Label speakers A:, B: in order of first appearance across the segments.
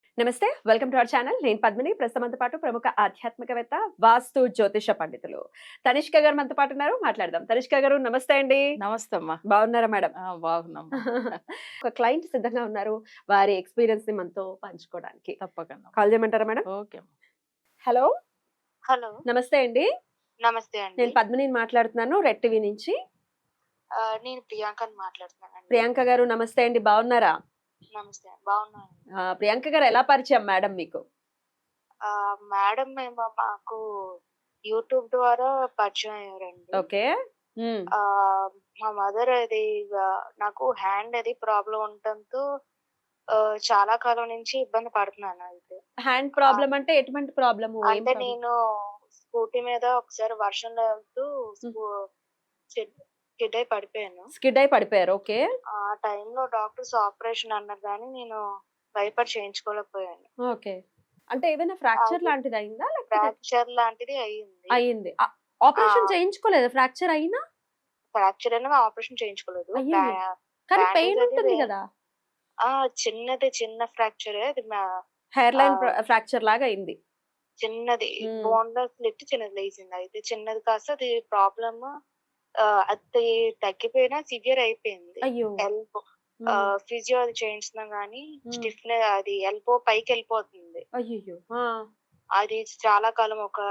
A: నమస్తే. Welcome to our channel. నేను పద్మిని. ప్రస్తుతం మనతో పాటు ప్రముఖ ఆధ్యాత్మికవేత్త, వాస్తు జ్యోతిష పండితులు తనిష్క గారు మనతో పాటు ఉన్నారు. మాట్లాడదాం. తనిష్క గారు నమస్తే అండి.
B: నమస్తే అమ్మా.
A: బాగున్నారా మేడం?
B: బాగున్నామ్మా.
A: ఒక క్లయింట్ సిద్ధంగా ఉన్నారు. వారి ఎక్స్‌పీరియన్స్ ని మనతో పంచుకోవడానికి.
B: తప్పకుండా.
A: కాల్ చేయమంటారా మేడం?
B: ఓకే అమ్మా.
A: హలో.
C: హలో.
A: నమస్తే అండి.
C: నమస్తే అండి.
A: నేను పద్మినిని మాట్లాడుతున్నాను. రెడ్ టీవీ నుంచి.
C: నేను ప్రియాంకని మాట్లాడుతున్నానండి.
A: ప్రియాంక గారు నమస్తే అండి. బాగున్నారా?
C: నమస్తే. బాగున్నాను.
A: ప్రియాంక గారు ఎలా పరిచయం మేడం మీకు?
C: మేడం మాకు యూట్యూబ్ ద్వారా పరిచయం అయ్యారండి.
A: ఓకే.
C: మా మదర్ అది నాకు హ్యాండ్ అది ప్రాబ్లం ఉండటంతో చాలా కాలం నుంచి ఇబ్బంది పడుతున్నాను. అయితే
A: హ్యాండ్ ప్రాబ్లమ్ అంటే ఎటువంటి ప్రాబ్లమ్?
C: అంటే నేను స్కూటీ మీద ఒకసారి వర్షంలో వెళ్తూ స్కిడ్ అయి పడిపోయాను.
A: స్కిడ్ అయి పడిపోయారు. ఓకే.
C: ఆ టైంలో డాక్టర్స్ ఆపరేషన్ అన్నారు కానీ నేను భయపడి చేయించుకోలేకపోయాను.
A: ఓకే. అంటే ఏదైనా ఫ్రాక్చర్ లాంటిది అయిందా? లేకపోతే
C: ఫ్రాక్చర్ లాంటిది అయ్యింది.
A: అయింది. ఆపరేషన్ చేయించుకోలేదా ఫ్రాక్చర్ అయినా?
C: ఫ్రాక్చర్ అయినా ఆపరేషన్ చేయించుకోలేదు.
A: అయ్యయ్యో! కానీ పెయిన్ ఉంటుంది కదా?
C: చిన్న ఫ్రాక్చరే అది.
A: హెయిర్ లైన్ ఫ్రాక్చర్ లాగా అయింది.
C: చిన్నది బోన్లో స్లిట్ చిన్నది లేచింది. అయితే చిన్నది కాస్త అది ప్రాబ్లమ్ అది తగ్గిపోయినా సివియర్ అయిపోయింది.
A: అయ్యో!
C: ఎల్బో ఫిజియో అది చేయించుతున్నాం గానీ స్టిఫ్ అది ఎల్బో పైకి వెళ్ళిపోతుంది.
A: అయ్యయ్యో!
C: అది చాలా కాలం ఒక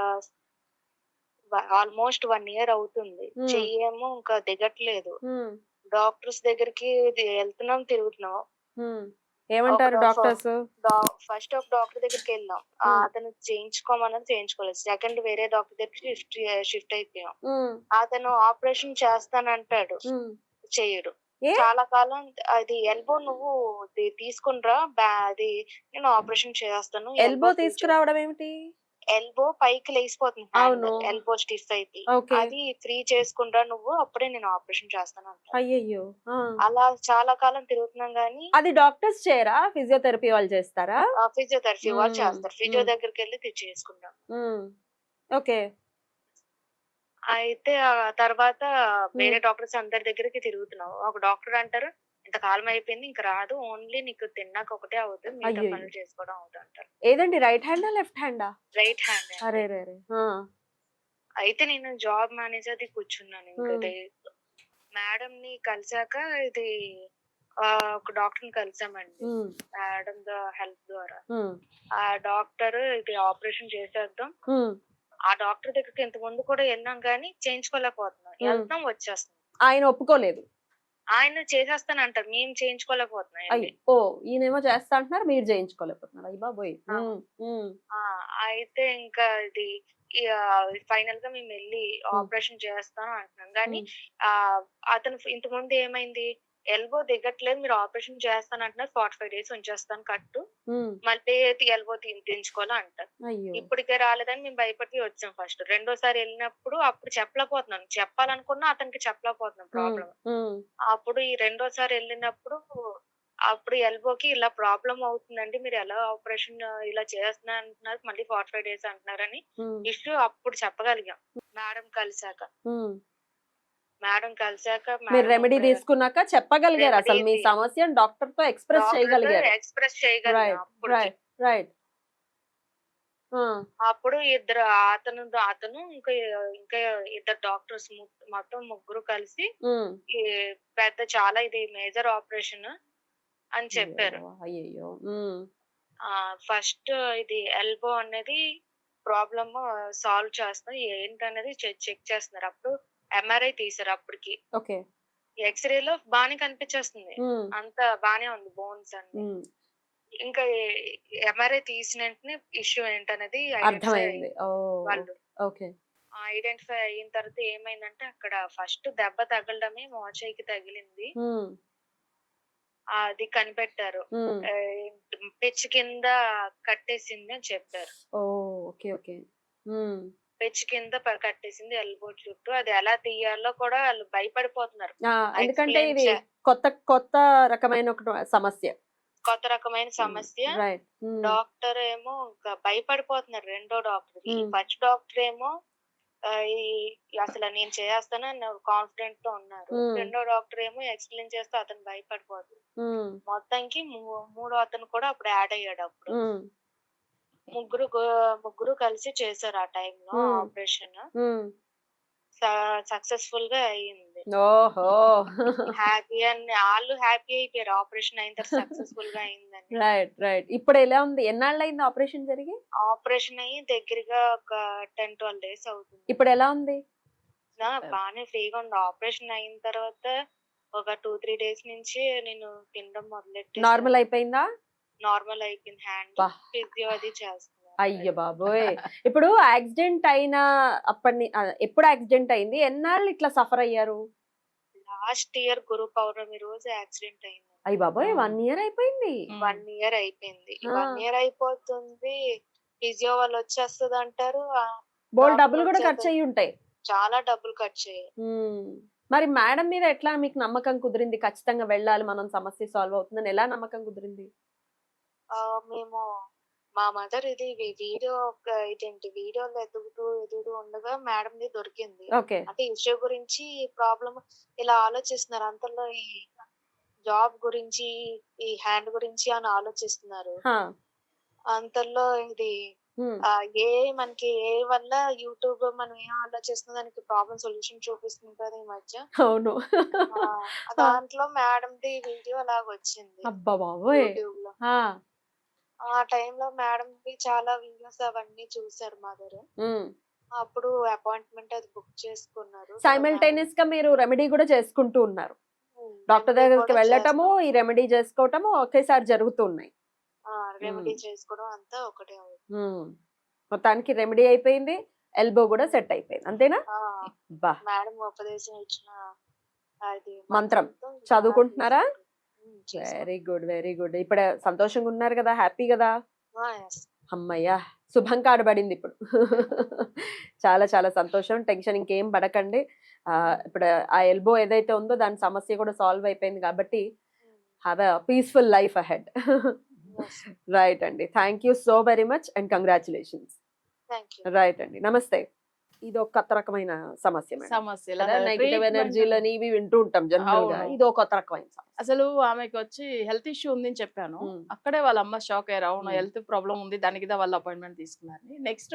C: ఆల్మోస్ట్ 1 ఇయర్ అవుతుంది. చెయ్యేమో ఇంకా దిగట్లేదు. డాక్టర్స్ దగ్గరికి వెళ్తున్నాం, తిరుగుతున్నాం.
A: ఏమంటారు డాక్టర్స్?
C: ఫస్ట్ ఒక డాక్టర్ దగ్గరికి వెళ్ళాం. అతను చేయించుకోమన్నది చేయించుకోలేదు. సెకండ్ వేరే డాక్టర్ దగ్గరికి షిఫ్ట్ అయిపోయాం. అతను ఆపరేషన్ చేస్తానంటాడు, చెయ్యడు. చాలా కాలం అది ఎల్బో నువ్వు తీసుకునిరా, అది నేను ఆపరేషన్ చేస్తాను.
A: ఎల్బో తీసుకురావడం ఏమిటి?
C: ఎల్బో పైకి లేసిపోతుంది. ఎల్బో స్టిఫ్ అయితే అది ఫ్రీ చేసుకుంటా నువ్వు, అప్పుడే నేను ఆపరేషన్ చేస్తాను అంట.
A: అయ్యయ్యో!
C: అలా చాలా కాలం తిరుగుతున్నాం గానీ
A: అది డాక్టర్స్ చేయరా? ఫిజియోథెరపీ వాళ్ళు చేస్తారా?
C: ఫిజియోథెరపీ వాళ్ళు చేస్తారు. ఫిజియో దగ్గరికి వెళ్ళి చేసుకుంటాం.
A: ఓకే.
C: అయితే ఆ తర్వాత వేరే డాక్టర్స్ అందరి దగ్గరికి తిరుగుతున్నావు. ఒక డాక్టర్ అంటారు ఇంతకాలం అయిపోయింది, ఇంక రాదు, ఓన్లీ నీకు తిన్నాక ఒకటే అవుతుంది, మిగతా పనులు చేసుకోవడం అవుతుంది అంటారు.
A: ఏదండి, రైట్ హ్యాండా లెఫ్ట్ హ్యాండా?
C: Right hand.
A: అరే.
C: అయితే నేను జాబ్ మేనేజర్ ది కూర్చున్నాను. ఇంకా మేడం ని కలిసాక ఇది ఒక డాక్టర్ ని కలిసామండి మేడం హెల్ప్ ద్వారా. ఆ డాక్టర్ ఇది ఆపరేషన్ చేసేద్దాం, ఆ డాక్టర్ దగ్గరికి ఇంత ముందు కూడా వెళ్ళాం కానీ చేయించుకోలేకపోతున్నాం. వెళ్తాం, వచ్చేస్తాం.
A: ఆయన ఒప్పుకోలేదు.
C: ఆయన చేసేస్తాను అంటారు, మేము చేయించుకోలేకపోతున్నాం.
A: ఈయనేమో చేస్తా అంటున్నారు, మీరు చేయించుకోలేకపోతున్నారు. అయ్య బాబోయ్.
C: అయితే ఇంకా ఇది ఫైనల్ గా మేము వెళ్ళి ఆపరేషన్ చేస్తాను అంటున్నాం కానీ అతను ఇంత ముందు ఏమైంది, ఎల్బో దిగట్లేదు, మీరు ఆపరేషన్ చేస్తాను అంటున్నారు, 45 days ఉంచేస్తాను కట్టు, మళ్ళీ ఎల్బో తీయించుకోవాలా అంటారు. ఇప్పటికే రాలేదని మేము భయపడి వచ్చాం. ఫస్ట్ రెండోసారి వెళ్ళినప్పుడు అప్పుడు చెప్పలేకపోతున్నాను, చెప్పాలనుకున్నా అతనికి చెప్పలేకపోతున్నాం ప్రాబ్లం. అప్పుడు ఈ రెండోసారి వెళ్ళినప్పుడు అప్పుడు ఎల్బోకి ఇలా ప్రాబ్లం అవుతుందండి, మీరు ఎలా ఆపరేషన్ ఇలా చేస్తున్నారు అంటున్నారు, మళ్ళీ 45 days అంటున్నారని ఇష్యూ అప్పుడు చెప్పగలిగాం. మేడం కలిసాక
A: మీరు రెమెడీ తీసుకున్నాక చెప్పగలిగారు, అసలు మీ సమస్యను డాక్టర్ తో ఎక్స్ప్రెస్ చేయగలిగారు. రైట్.
C: అప్పుడు ఇద్దరు అతను ఇంకా ఇద్దరు డాక్టర్స్, మొత్తం ముగ్గురు కలిసి పెద్ద చాలా ఇది మేజర్ ఆపరేషన్ అని చెప్పారు.
A: అయ్యో.
C: ఫస్ట్ ఇది ఎల్బో అనేది ప్రాబ్లమ్ సాల్వ్ చేస్తాం ఏంటనేది చెక్ చేస్తున్నారు. అప్పుడు ఎంఆర్ఐ తీసారు. అప్పటికి ఎక్స్రే లో బానే కనిపించేస్తుంది, అంత బానే ఉంది బోన్స్ అన్ని. ఇంకా ఎంఆర్ఐ తీసిన వెంటనే ఇష్యూ ఏంటనేది
A: అర్థమైంది.
C: వాళ్ళు ఐడెంటిఫై అయిన తర్వాత ఏమైందంటే అక్కడ ఫస్ట్ దెబ్బ తగలడమే మోచేయికి తగిలింది, అది కనిపెట్టారు. పిచ్ కింద కట్టేసింది అని చెప్పారు. పిచ్ కింద కట్టేసింది ఎల్బో చుట్టూ. అది ఎలా తీయాలో కూడా వాళ్ళు భయపడిపోతున్నారు,
A: ఎందుకంటే ఇది కొత్త రకమైన సమస్య.
C: డాక్టర్ ఏమో ఇంకా భయపడిపోతున్నారు. రెండో డాక్టర్, ఫస్ట్ డాక్టర్ ఏమో అసలు నేను చేస్తాను అని కాన్ఫిడెంట్ తో ఉన్నారు.
A: ఉమ్,
C: రెండో డాక్టర్ ఏమో ఎక్స్ప్లెయిన్ చేస్తే అతను భయపడిపోతుంది.
A: ఉమ్,
C: మొత్తానికి మూడో అతను కూడా అప్పుడు యాడ్ అయ్యాడు. అప్పుడు
A: ఉమ్,
C: ముగ్గురు కలిసి చేశారు ఆ టైంలో
A: ఉమ్,
C: ఆపరేషన్.
A: ఉమ్.
C: సక్సెస్ఫుల్ గా అయ్యింది.
A: ఓహో.
C: హ్యాపీ అని వాళ్ళు హ్యాపీ అయిపోయారు. ఆపరేషన్ అయిన తర్వాత సక్సెస్ఫుల్ గా అయిందని.
A: Right right. ఇప్పుడు ఎలా ఉంది? ఎన్నాళ్ళు అయింది ఆపరేషన్ జరిగి?
C: ఆపరేషన్ అయ్యి దగ్గరగా ఒక 10-12 డేస్ అవుతుంది.
A: ఇప్పుడు ఎలా ఉంది?
C: బానే ఫ్రీగా ఉంది. ఆపరేషన్ అయిన తర్వాత ఒక 2-3 డేస్ నుంచి నేను తినడం మొదలెట్టేసాను.
A: నార్మల్ అయిపోయిందా?
C: నార్మల్ అయిపోయింది. హ్యాండ్
A: బా.
C: ఫిజియో అది చేస్తున్నారు.
A: అయ్య బాబోయ్. ఇప్పుడు యాక్సిడెంట్ అయిన ఎప్పుడు యాక్సిడెంట్ అయింది? ఎన్నాళ్ళు ఇట్లా సఫర్ అయ్యారు?
C: లాస్ట్ ఇయర్ గురు పౌర్ణమి రోజు యాక్సిడెంట్ అయింది.
A: అయ్య బాబోయ్, 1 ఇయర్ అయిపోయింది.
C: 1 ఇయర్ అయిపోయింది.
A: ఆ.
C: 1 ఇయర్ అయిపోతుంది. ఫిజియో వాళ్ళు వచ్చేస్తుంది అంటారు.
A: బోల్
C: డాక్టర్
A: డబ్బులు కూడా ఖర్చు
C: వచ్చేది.
A: అయ్యి ఉంటాయి.
C: చాలా డబ్బులు ఖర్చు అయ్యాయి.
A: మరి మేడం మీద ఎట్లా మీకు నమ్మకం కుదిరింది? ఖచ్చితంగా వెళ్ళాలి, మనం సమస్య సాల్వ్ అవుతుందని ఎలా నమ్మకం కుదిరింది?
C: మేము మా మదర్ ఇది వీడియోలు ఎదుగుతూ ఉండగా మేడం ది దొరికింది.
A: ఓకే.
C: అంటే ఇష్యూ గురించి ప్రాబ్లం ఇలా ఆలోచిస్తున్నారు. అంతలో ఈ జాబ్ గురించి ఈ హ్యాండ్ గురించి అని ఆలోచిస్తున్నారు. అంతలో ఇది మనకి ఏ వల్ల యూట్యూబ్ మనం ఏం ఆలోచిస్తున్న దానికి ప్రాబ్లం సొల్యూషన్ చూపిస్తుంది కదా ఈ మధ్య.
A: అవును.
C: దాంట్లో మేడం ది వీడియో అలాగ వచ్చింది
A: అబ్బా బాబోయ్.
C: యూట్యూబ్ లో. ఆ టైంలో మేడం ది చాలా వీడియోస్ అవన్నీ చూసారు మదర్. అప్పుడు అపాయింట్మెంట్ అది బుక్ చేసుకున్నారు.
A: సైమల్టేనియస్ గా మీరు రెమెడీ కూడా చేసుకుంటూ ఉన్నారు. డాక్టర్
C: రెమెడీ
A: దగ్గరికి
C: కూడా
A: వెళ్ళటము, ఈ
C: చేస్తాం.
A: రెమెడీ చేసుకోవటము ఒకేసారి జరుగుతున్నాయి.
C: రెమెడీ చేసుకోవడం అంతా ఒకటే అవుతుంది.
A: మొత్తానికి రెమెడీ అయిపోయింది, ఎల్బో కూడా సెట్ అయిపోయింది, అంతేనా? బా.
C: మేడం ఉపదేశం ఇచ్చిన అది
A: మంత్రం
C: మంత్రంతో
A: చదువుకుంటున్నారా?
C: చేసుకుంటాం.
A: Very good very good. ఇప్పుడు సంతోషంగా ఉన్నారు కదా, హ్యాపీ కదా?
C: Yes.
A: అమ్మయ్యా, శుభం కాడబడింది ఇప్పుడు. చాలా చాలా సంతోషం. టెన్షన్ ఇంకేం పడకండి. ఇప్పుడు ఆ ఎల్బో ఏదైతే ఉందో దాని సమస్య కూడా సాల్వ్ అయిపోయింది కాబట్టి have a peaceful life ahead.
C: Yes.
A: Right అండి. Thank you so very much and congratulations.
C: Thank you.
A: Right అండి. నమస్తే. ఇది ఒక కొత్త రకమైన సమస్య మేడం.
B: సమస్యలు
A: నెగిటివ్ ఎనర్జీలని ఇవి వింటూ ఉంటాం జనరల్ గా.
B: అవును.
A: ఇది ఒక కొత్త రకమైన సమస్య.
B: అసలు ఆమెకి వచ్చి హెల్త్ ఇష్యూ ఉందని చెప్పాను.
A: మ్మ్.
B: అక్కడే వాళ్ళ అమ్మ షాక్ అయ్యారు. అవును,
A: మ్మ్.
B: హెల్త్ ప్రాబ్లం ఉంది, దానికి దా వాళ్ళ అపాయింట్మెంట్ తీసుకున్నారు. నెక్స్ట్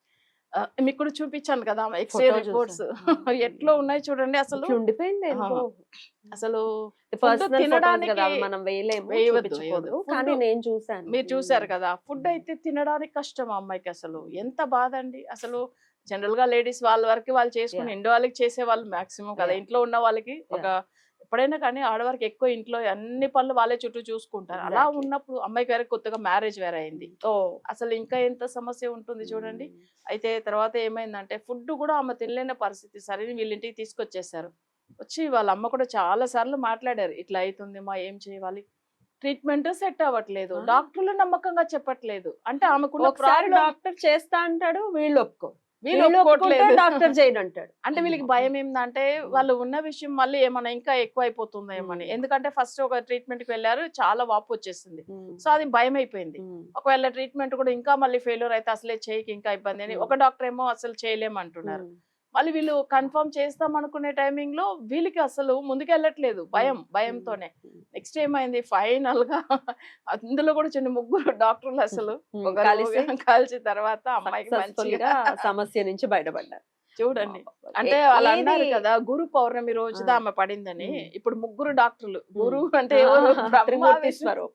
B: మీకు కూడా చూపించాను కదా ఎక్స్రే
A: Photo
B: రిపోర్ట్స్
A: చూసాను.
B: ఎట్లా ఉన్నాయి చూడండి. అసలు
A: ఇట్లా ఉండిపోయింది ఎందుకో.
B: అసలు
A: పర్సనల్ ఫోటోస్
B: తినడానికి
A: కదా, అవి మనం వేయలేము,
B: వేయవద్దు,
A: చూపించకూడదు.
B: వేయవద్దు.
A: కానీ
B: Food
A: నేను చూసాను.
B: మీరు చూసారు కదా, ఫుడ్ అయితే తినడానికి కష్టం ఆ అమ్మాయికి. అసలు ఎంత బాధ అండి. అసలు జనరల్ గా లేడీస్ వాళ్ళ వరకు వాళ్ళు చేసుకుని ఇంటి వాళ్ళకి చేసే వాళ్ళు మాక్సిమం కదా.
A: Yeah.
B: ఇంట్లో ఉన్న వాళ్ళకి ఒక ఎప్పుడైనా కానీ ఆడవారికి ఎక్కువ ఇంట్లో అన్ని పనులు వాళ్ళే చుట్టూ చూసుకుంటారు. అలా
A: Exactly.
B: ఉన్నప్పుడు అమ్మాయికి వేరే కొత్తగా మ్యారేజ్ వేరే అయింది. అసలు ఇంకా ఎంత సమస్య ఉంటుంది చూడండి. అయితే తర్వాత ఏమైందంటే ఫుడ్ కూడా ఆమె తినలేని పరిస్థితి. సరే వీళ్ళింటికి తీసుకొచ్చేసారు. వచ్చి వాళ్ళ అమ్మ కూడా చాలా సార్లు మాట్లాడారు, ఇట్లా అవుతుంది మా, ఏం చేయాలి, ట్రీట్మెంట్ సెట్ అవ్వట్లేదు, డాక్టర్లు నమ్మకంగా చెప్పట్లేదు. అంటే ఆమెకున్న
A: ఒకసారి
B: ప్రాబ్లం
A: డాక్టర్ చేస్తా అంటాడు, వీళ్ళు ఒప్పుకో,
B: వీళ్ళు ఒప్పుకోవట్లేదు.
A: డాక్టర్ చేయను అంటాడు.
B: అంటే వీళ్ళకి భయం ఏంటంటే వాళ్ళు ఉన్న విషయం మళ్ళీ ఏమన్నా ఇంకా ఎక్కువ అయిపోతుందేమని. ఎందుకంటే ఫస్ట్ ఒక ట్రీట్మెంట్ కి వెళ్ళారు, చాలా వాపు వచ్చేసింది. సో అది భయం అయిపోయింది. ఒకవేళ ట్రీట్మెంట్ కూడా ఇంకా మళ్ళీ ఫెయిల్యూర్ అయితే అసలే చేయకి ఇంకా ఇబ్బంది అని ఒక డాక్టర్ ఏమో అసలు చేయలేమంటున్నారు. మళ్ళీ వీళ్ళు కన్ఫర్మ్ చేస్తాం అనుకునే టైమింగ్ లో వీళ్ళకి అసలు ముందుకెళ్ళట్లేదు, భయంతోనే. నెక్స్ట్ ఏమైంది, ఫైనల్ గా అందులో కూడా చిన్న ముగ్గురు డాక్టర్లు అసలు కలిసి తర్వాత అమ్మాయికి మంచిగా
A: సమస్య నుంచి బయటపడ్డారు.
B: చూడండి. అంటే వాళ్ళు అన్నారు కదా గురు పౌర్ణమి రోజుదా ఆమె పడిందని. ఇప్పుడు ముగ్గురు డాక్టర్లు, గురు అంటే ఎవరు, బ్రహ్మ, విష్ణు,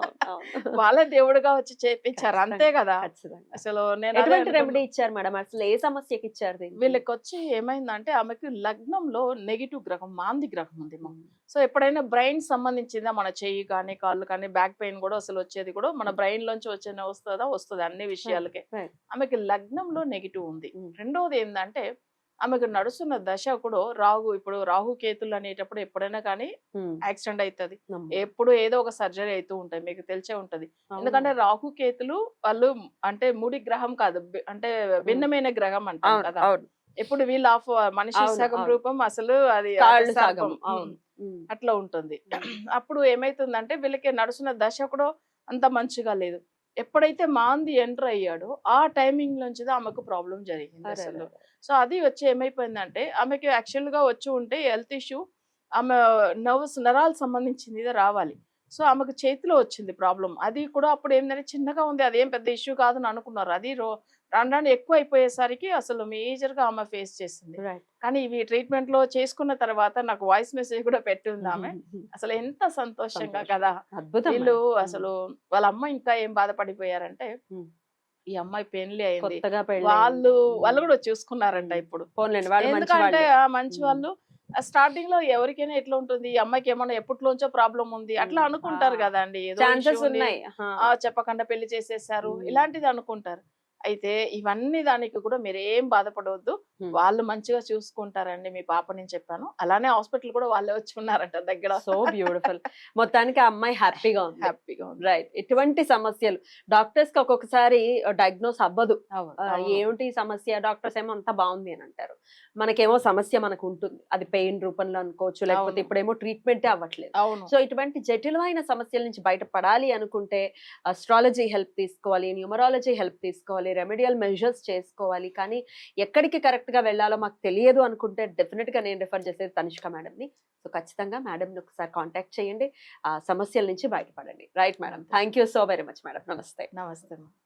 B: వాళ్ళ దేవుడుగా వచ్చి చేపించారు, అంతే కదా. అసలు నేను
A: ఎటువంటి రెమెడీ ఇచ్చారు మేడం? అసలు ఏ సమస్యకి ఇచ్చారు?
B: వీళ్ళకి వచ్చి ఏమైందంటే ఆమెకి లగ్నంలో నెగిటివ్ గ్రహం, మాంది గ్రహం ఉంది. సో ఎప్పుడైనా బ్రెయిన్ సంబంధించిందా, మన చెయ్యి కానీ కాళ్ళు కానీ బ్యాక్ పెయిన్ కూడా అసలు వచ్చేది కూడా మన బ్రెయిన్ లోంచి వస్తుంది అన్ని విషయాలకే. ఆమెకి లగ్నంలో నెగిటివ్ ఉంది. రెండోది ఏంటంటే ఆమెకు నడుస్తున్న దశ కూడా ఇప్పుడు రాహు కేతులు అనేటప్పుడు ఎప్పుడైనా కానీ యాక్సిడెంట్ అవుతుంది. ఎప్పుడు ఏదో ఒక సర్జరీ అవుతూ ఉంటాయి, మీకు తెలిసే ఉంటది. ఎందుకంటే రాహు కేతులు వాళ్ళు అంటే మూడి గ్రహం కాదు, అంటే భిన్నమైన గ్రహం అంటాం కదా. ఎప్పుడు వీళ్ళు మనిషి సగం రూపం, అసలు అది సర్పం. అట్లా ఉంటుంది. అప్పుడు ఏమైతుందంటే వీళ్ళకి నడుస్తున్న దశ కూడా అంత మంచిగా లేదు. ఎప్పుడైతే మాంది ఎంటర్ అయ్యాడో ఆ టైమింగ్ నుంచి ఆమెకు ప్రాబ్లం జరిగింది
A: అరే
B: అసలు.
A: అరే.
B: సో అది వచ్చి ఏమైపోయిందంటే ఆమెకి యాక్చువల్ గా వచ్చి ఉంటే హెల్త్ ఇష్యూ, ఆమె నరాలకు సంబంధించింది రావాలి. సో ఆమెకు చేతిలో వచ్చింది ప్రాబ్లం. అది కూడా అప్పుడు ఏంటంటే చిన్నగా ఉంది, అదేం పెద్ద ఇష్యూ కాదని అనుకున్నారు. అది రాను రాను ఎక్కువ అయిపోయేసరికి అసలు మేజర్ గా ఆమె ఫేస్ చేసింది.
A: రైట్.
B: కానీ ఇవి ట్రీట్మెంట్ లో చేసుకున్న తర్వాత నాకు వాయిస్ మెసేజ్ కూడా పెట్టింది ఆమె. అసలు ఎంత సంతోషంగా
A: సంతోషం.
B: కదా.
A: అద్భుతం
B: వీళ్ళు
A: మేడం.
B: అసలు వాళ్ళ అమ్మ ఇంకా ఏం బాధపడిపోయారంటే,
A: ఉమ్.
B: ఈ అమ్మాయి పెళ్లి అయింది,
A: కొత్తగా పెళ్ళి
B: వాళ్ళు కూడా చూసుకున్నారంట ఇప్పుడు.
A: పోన్లేండి వాళ్ళు మంచి
B: ఎందుకంటే
A: వాళ్ళే.
B: ఆ మంచి వాళ్ళు స్టార్టింగ్ లో ఎవరికైనా ఎట్లా ఉంటుంది, ఈ అమ్మాయికి ఏమన్నా ఎప్పటిలోంచో ప్రాబ్లం ఉంది అట్లా అనుకుంటారు కదా అండి. ఏదో
A: ఛాన్సెస్
B: issue ఉంది,
A: ఉన్నాయి.
B: చెప్పకుండా పెళ్లి చేసేసారు
A: ఉమ్.
B: ఇలాంటిది అనుకుంటారు. అయితే ఇవన్నీ దానికి కూడా మీరు ఏం బాధపడవద్దు,
A: ఉమ్.
B: వాళ్ళు మంచిగా చూసుకుంటారండి మీ పాపని చెప్పాను. అలానే హాస్పిటల్ కూడా వాళ్ళే వచ్చి ఉన్నారంట దగ్గర.
A: So beautiful. మొత్తానికి ఆ అమ్మాయి హ్యాపీగా ఉంది.
B: హ్యాపీగా ఉంది.
A: రైట్. ఇటువంటి సమస్యలు డాక్టర్స్ కి ఒక్కొక్కసారి డయాగ్నోస్ అవ్వదు.
B: అవును,
A: ఆ,
B: అవును.
A: ఏమిటి సమస్య, డాక్టర్స్ ఏమో అంతా బాగుంది అని అంటారు. మనకేమో సమస్య మనకు ఉంటుంది, అది పెయిన్ రూపంలో అనుకోవచ్చు, లేకపోతే
B: అవును.
A: ఇప్పుడేమో ట్రీట్మెంటే అవ్వట్లేదు.
B: అవును.
A: సో ఇటువంటి జటిలమైన సమస్యల నుంచి బయటపడాలి అనుకుంటే అస్ట్రాలజీ హెల్ప్ తీసుకోవాలి, న్యూమరాలజీ హెల్ప్ తీసుకోవాలి, రెమెడియల్ మెజర్స్ చేసుకోవాలి. కానీ ఎక్కడికి కరెక్ట్ గా వెళ్ళాలో మాకు తెలియదు అనుకుంటే డెఫినెట్ గా నేను రిఫర్ చేసేది తనిష్క మేడంని. సో ఖచ్చితంగా మేడంని ఒకసారి కాంటాక్ట్ చేయండి, ఆ సమస్యల నుంచి బయటపడండి. Right madam, thank you so very much madam. నమస్తే.
B: నమస్తే.